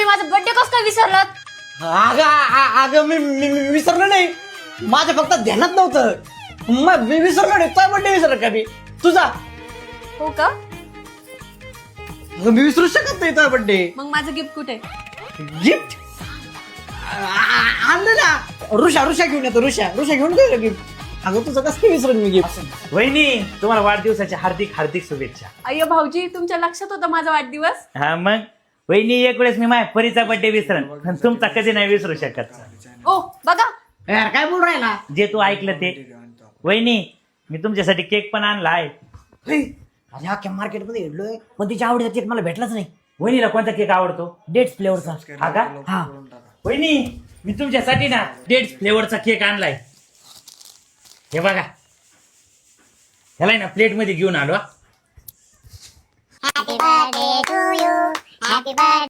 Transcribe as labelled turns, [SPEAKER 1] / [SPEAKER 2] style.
[SPEAKER 1] माझा बर्थडे कसं काय विसरलात?
[SPEAKER 2] अगं मी विसरलो नाही, माझ्या फक्त ध्यानात नव्हतं. मी विसरलो नाही, तुझा बर्थडे विसरलो का मी तुझा?
[SPEAKER 1] हो का?
[SPEAKER 2] अगं मी विसरू शकत नाही तुझा बर्थडे.
[SPEAKER 1] मग माझं गिफ्ट कुठे?
[SPEAKER 2] गिफ्ट आणलं ना, ऋषा घेऊन येतो. ऋषा घेऊन गेलो गिफ्ट. अगं तुझं कसं काय विसरून मी गिफ्ट?
[SPEAKER 3] वहिनी तुम्हाला वाढदिवसाच्या हार्दिक हार्दिक शुभेच्छा.
[SPEAKER 1] अय्यो भाऊजी, तुमच्या लक्षात होता माझा वाढदिवस?
[SPEAKER 3] हा मग वहिनी, एक वेळेस मी माझ्या परीचा बर्थडे विसरन, पण तुमचा कधी नाही विसरू शकत.
[SPEAKER 1] ओ बघा,
[SPEAKER 2] यार काय बोल राहिला?
[SPEAKER 3] जे तू ऐकलं ते. वहिनी मी तुमच्यासाठी केक पण आणला आहे.
[SPEAKER 2] अरे अख्ख्या मार्केटमध्ये हिडलोय, पण तिच्या आवडीचा केक मला भेटलाच नाही.
[SPEAKER 3] वहिनीला कोणता केक आवडतो?
[SPEAKER 2] डेट्स फ्लेवरचा.
[SPEAKER 3] हा का?
[SPEAKER 2] हा.
[SPEAKER 3] वहिनी मी तुमच्यासाठी ना डेट्स फ्लेवरचा केक आणलाय. हे बघा, ह्याला ना प्लेट मध्ये घेऊन आलो.
[SPEAKER 4] Happy birthday to you. Happy birthday.